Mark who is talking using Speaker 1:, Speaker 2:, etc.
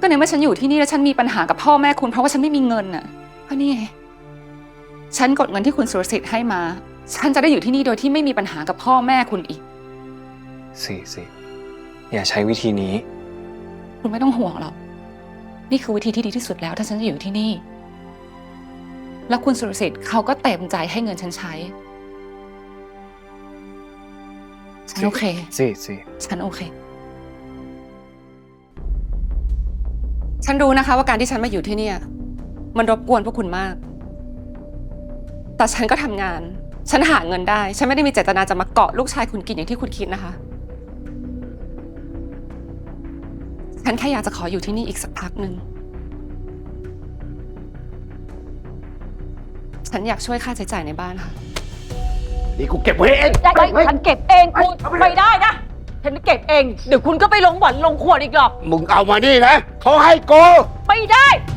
Speaker 1: ก็ในเมื่อฉันอยู่ที่นี่แล้วฉันมีปัญหากับพ่อแม่คุณเพราะว่าฉันไม่มีเงินน่ะก็นี่ไงฉันกดเงินที่คุณสุรสิทธิ์ให้มาฉันจะได้อยู่ที่นี่โดยที่ไม่มีปัญหากับพ่อแม่คุณอีก
Speaker 2: สิอย่าใช้วิธีนี้
Speaker 1: คุณไม่ต้องห่วงหรอกนี่คือวิธีที่ดีที่สุดแล้วถ้าฉันจะอยู่ที่นี่แล้วคุณสุรสิทธิ์เขาก็เต็มใจให้เงินฉันใช้ฉันโอเค
Speaker 2: สิ
Speaker 1: ฉันโอเคฉันรู้นะคะว่าการที่ฉันมาอยู่ที่นี่มันรบกวนพวกคุณมากแต่ฉันก็ทำงานฉันหาเงินได้ฉันไม่ได้มีเจตนาจะมาเกาะลูกชายคุณกินอย่างที่คุณคิดนะคะฉันแค่อยากจะขออยู่ที่นี่อีกสักพักหนึ่งฉันอยากช่วยค่าใช้จ่ายในบ้านค่ะ
Speaker 3: นี่กูเก็บไว้เอง
Speaker 4: ได้ฉันเก็บเองคุณไม่ได้นะฉันเก็บเองเดี๋ยวคุณก็ไปลงบ่อนลงขวดอีกหรอก
Speaker 3: มึงเอามานี่นะเขาให้โก
Speaker 4: ไม่ได้